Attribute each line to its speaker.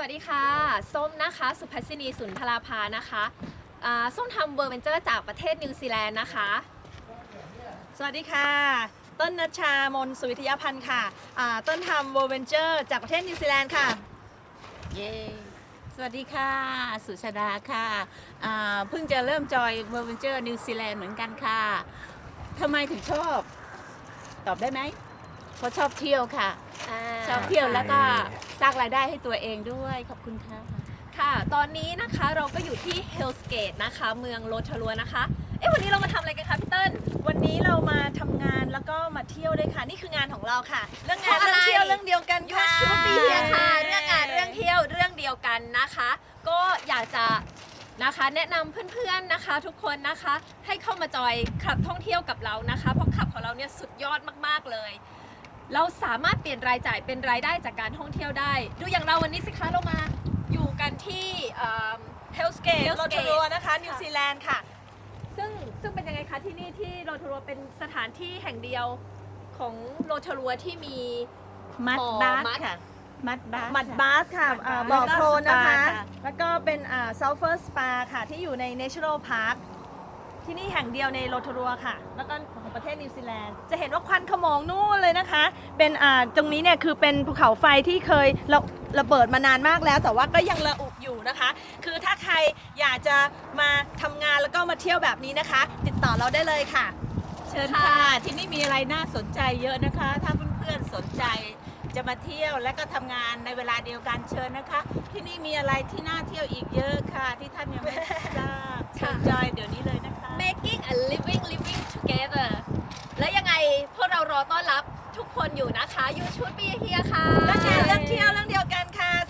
Speaker 1: วัสดีค่ะส้มนะคะสุภัสสินีสุนทราภานะคะส้มทำเวอร์เวนเจอร์จากประเทศนิวซีแลนด์นะคะ
Speaker 2: สวัสดีค่ะต้นนัชชามนสุวิทยาพันธ์ค่ะต้นทำ World Venture จากประเทศนิวซีแลนด์ค่ะ
Speaker 3: เย้ สวัสดีค่ะ สุชาดาค่ะเพิ่งจะเริ่มจอย World Venture นิวซีแลนด์เหมือนกันค่ะทำไมถึงชอบ ตอบได้ไหม เพราะชอบเที่ยวค่ะ ชอบเที่ยวแล้วก็สร้างรายได้ให้ตัวเองด้วย ขอบคุณค่ะ
Speaker 1: ค่ะ ตอนนี้นะคะเราก็อยู่ที่ Hell's Gate นะคะเมืองโรทารัวนะคะวันนี้เรามาทำอะไรกันคะพี่เติ้ล
Speaker 2: วันนี้เรามาทำงานแล้วก็มาเที่ยวด้วยค่ะ นี่คืองานของเราค่ะ เรื่องงาน
Speaker 1: เพราะอะไร
Speaker 2: เรื่องเที่ยวเรื่องเดียวกัน
Speaker 1: ยู
Speaker 2: ค่ะ
Speaker 1: ชูปีเฮียค่ะเรื่องงานเรื่องเที่ยวเรื่องเดียวกันนะคะ ก็อยากจะนะคะแนะนำเพื่อนๆนะคะ ทุกคนนะคะให้เข้ามาจอยคลับท่องเที่ยวกับเรานะคะเพราะคลับของเราเนี่ยสุดยอดมากๆเลย เราสามารถเปลี่ยนรายจ่ายเป็นรายได้จากการท่องเที่ยวได้ ดูอย่างเราวันนี้สิคะเรามาอยู่กันที่
Speaker 2: Hell's Gate โรทารัวนะคะนิวซีแลนด์ค่ะ
Speaker 1: ซึ่งเป็นยังไงคะที่นี่ที่โรทารัวเป็นสถานที่แห่งเดียวของโรทารัวที่มี
Speaker 3: มัด
Speaker 1: หมอ
Speaker 3: บาส
Speaker 1: มัด
Speaker 3: ค่ะ มัดบาส
Speaker 2: มัดบาสค่ะ
Speaker 3: มัดบาส
Speaker 2: บ่อโคลนนะคะ
Speaker 3: แล้วก็สปาค่ะ
Speaker 2: แล้วก็เป็นSulphur Spa ค่ะที่อยู่ใน National Park ที่นี่แห่งเดียวในโรทารัวค่ะ แล้วก็ของประเทศนิวซีแลนด์ จะเห็นว่าควันขโมงนู่นเลยนะคะ เป็นตรงนี้เนี่ยคือเป็นภูเขาไฟที่เคยระเบิดมานานมากแล้ว แต่ว่าก็ยังระอุอยู่นะคะ คือถ้าใครอยากจะมาทำงานแล้วก็มาเที่ยวแบบนี้นะคะ ติดต่อเราได้เลยค่ะ
Speaker 3: เชิญค่ะ ที่นี่มีอะไรน่าสนใจเยอะนะคะ ถ้าเพื่อนๆสนใจจะมาเที่ยวและก็ทำงานในเวลาเดียวกันเชิญนะคะ ที่นี่มีอะไรที่น่าเที่ยวอีกเยอะค่ะ ที่ท่านยังไม่ทราบเชิญจอยเดี๋ยวนี้เลยนะคะ
Speaker 1: making a living together และยังไงพวกเรารอต้อนรับทุกคนอยู่นะคะ You should be here ค่ะ
Speaker 2: เรื่องงานเรื่องเที่ยวเรื่องเดียวกันค่ะ